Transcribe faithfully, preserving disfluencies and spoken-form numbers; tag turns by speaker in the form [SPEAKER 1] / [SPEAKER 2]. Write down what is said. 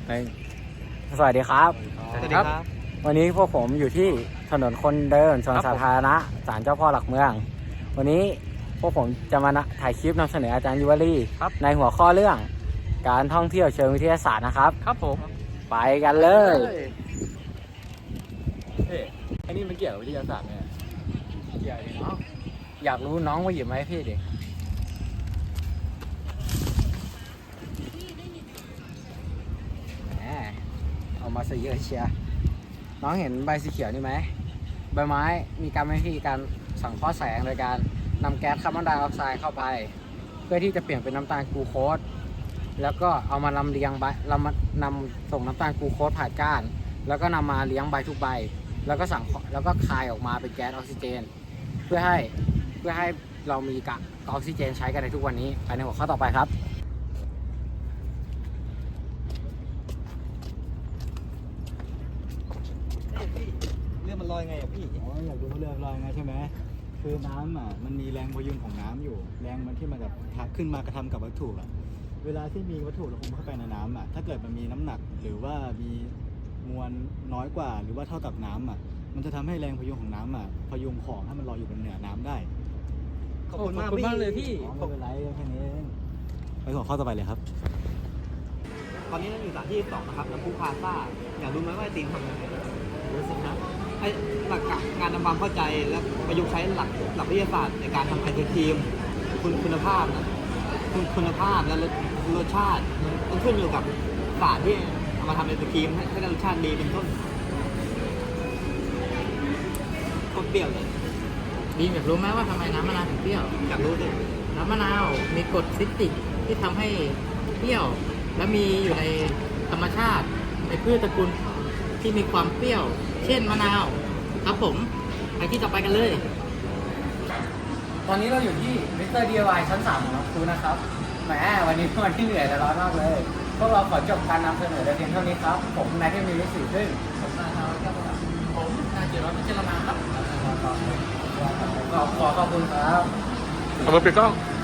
[SPEAKER 1] ในสวัสดีครับ
[SPEAKER 2] สวัสดีครับ
[SPEAKER 1] วันนี้พวกผมอยู่ที่ถนนคนเดินสวนสาธารณะศาลเจ้าพ่อหลักเมืองวันนี้พวกผมจะมาถ่ายคลิปนำเสนออาจารย์ยุวลีในหัวข้อเรื่องการท่องเที่ยวเชิงวิทยาศาสตร์นะครับ
[SPEAKER 2] ครับผม
[SPEAKER 1] ไปกันเลย
[SPEAKER 2] เฮ้ยอันนี้มันเกี่ยวกับวิทยาศาสตร์ไหมเกี่ยวเนาะ
[SPEAKER 1] อยากรู้น้องว่าหยิบไหมพี่ดิแหมเอามาซะเยอะเชียร์น้องเห็นใบสีเขียวนี่ไหมใบไม้มีการวิธีการสังเคราะห์แสงโดยการนำแก๊สคาร์บอนไดออกไซด์เข้าไปเพื่อที่จะเปลี่ยนเป็นน้ำตาลกลูโคสแล้วก็เอามาลำเลียงใบเรามานำส่งน้ำตาลกลูโคสผ่านก้านแล้วก็นำมาเลี้ยงใบทุกใบแล้วก็สังแล้วก็คายออกมาเป็นแก๊สออกซิเจนเพื่อให้เพื่อให้เรามีกะออกซิเจนใช้กันในทุกวันนี้ไปในหัวข้อต่อไปครับ
[SPEAKER 3] เรื่องมันลอยไงอ่ะพี่อ๋ออยากรู้ว่าเรื่องลอยไงใช่ไหมคือน้ำอ่ะมันมีแรงพยุงของน้ำอยู่แรงมันที่มันแบบขึ้นมากระทำกับวัตถุอ่ะเวลาที่มีวัตถุระคมเข้าไปในน้ำอ่ะถ้าเกิดมันมีน้ำหนักหรือว่ามีมวลน้อยกว่าหรือว่าเท่ากับน้ำอ่ะมันจะทำให้แรงพยุงของน้ำอ่ะพยุงของให้มันลอยอยู่บนเหนือน้ำได้
[SPEAKER 2] ขอบคุณมากมากเลยพี่
[SPEAKER 3] ไม่เป็นไรแค่นี้เองไปหัวข้อต่อไปเลยครับ
[SPEAKER 4] ตอนนี้เราอยู่สถานที่สองนะครับน้ำพุพาซ่าอยากรู้ไหมว่าไอติมทำยังไงรู้สิครับไอหลักการทำความเข้าใจและประยุกต์ใช้หลักหลักวิทยาศาสตร์ในการทำไอศครีมคุณคุณภาพนะคุณคุณภาพและรสรสชาติต้องขึ้นอยู่กับศาสตร์ที่เอามาทำไอศครีมให้ให้ได้รสชาติดีเป็นต้นคนเปรี้ยวเลย
[SPEAKER 5] ดีอยากรู้ไหมว่าทำไมน้ำมะนาวถึงเปรี้ยว
[SPEAKER 4] อยากรู้สิ
[SPEAKER 5] น้ำมะนาวมีกรดซิตริกที่ทำให้เปรี้ยว และมีอยู่ในธรรมชาติในพืชตระกูลที่มีความเปรี้ยว เช่นมะนาวครับผมไปที่ต่อไปกันเลย
[SPEAKER 1] ตอนนี้เราอยู่ที่มิสเตอร์ ดี ไอ วาย ชั้นสามของน้องครูนะครับแหมวันนี้วันที่เหนื่อยแต่ร้อนมากเลยพวกเราขอจบการนำเสนอแต่เพียงเท่านี้ครับผมนายเทพมีวิสิทธิ์ซึ่ง
[SPEAKER 5] ผมนายนาวครับผมนายเจริญพิจารณาครับ
[SPEAKER 1] ขอขอขอบคุณครับ
[SPEAKER 2] ขอบคุณพี่ก้อง